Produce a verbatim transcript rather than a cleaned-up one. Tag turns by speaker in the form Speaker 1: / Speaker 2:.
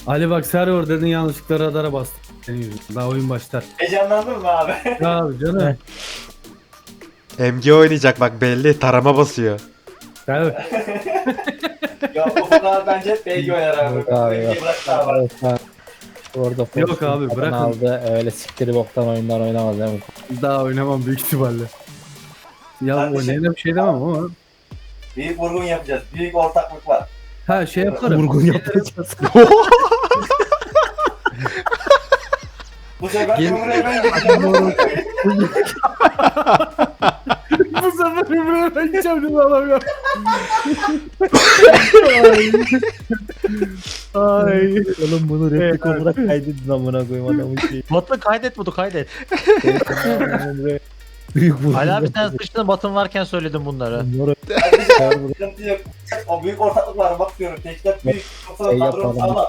Speaker 1: Ali bak server dedin yanlışlıkla radara bastım. Senin yüzünden. Daha oyun başlar.
Speaker 2: Heyecanlandın mı abi?
Speaker 1: Ya abi canım.
Speaker 3: M G oynayacak bak belli. Tarama basıyor.
Speaker 1: Tabii.
Speaker 2: Ya Ufuk abi bence hep B G oynar abi.
Speaker 4: Yok abi,
Speaker 2: B G
Speaker 4: yok.
Speaker 2: bırak abi.
Speaker 4: Evet, ha. Orada
Speaker 1: Yok
Speaker 4: Fortune
Speaker 1: abi,
Speaker 4: falan
Speaker 1: bırakın.
Speaker 4: aldı. Öyle siktiri boktan oyunlar oynamaz değil mi?
Speaker 1: Daha oynamam büyük ihtimalle. Ya
Speaker 2: Kardeşim.
Speaker 1: oynayana bir şey demem ama.
Speaker 2: Büyük vurgun yapacağız. Büyük ortaklık var.
Speaker 1: Ha şey yaparım.
Speaker 4: Vurgun yapacağız.
Speaker 2: Bu sefer
Speaker 1: Gel-
Speaker 2: Cumhuriyet ben gideceğim.
Speaker 1: Bu sefer Ümre'ye ben gideceğim değil mi adam ya? Ay.
Speaker 4: Oğlum bunu replik
Speaker 1: Evet.
Speaker 4: olarak kaydedin amına koyayım adamın şeyi.
Speaker 5: Batu kaydet Batu kaydet.
Speaker 4: Büyük vurgun.
Speaker 5: Ali abi sen sıçtın Batın varken söyledim bunları.
Speaker 4: Bunları
Speaker 2: Kardeşim sıkıntı yok. O büyük ortaklık var bak diyorum. Teşkilat büyük. Yoksa
Speaker 4: Şey
Speaker 2: kadrom
Speaker 4: yapalım.
Speaker 2: sağlam.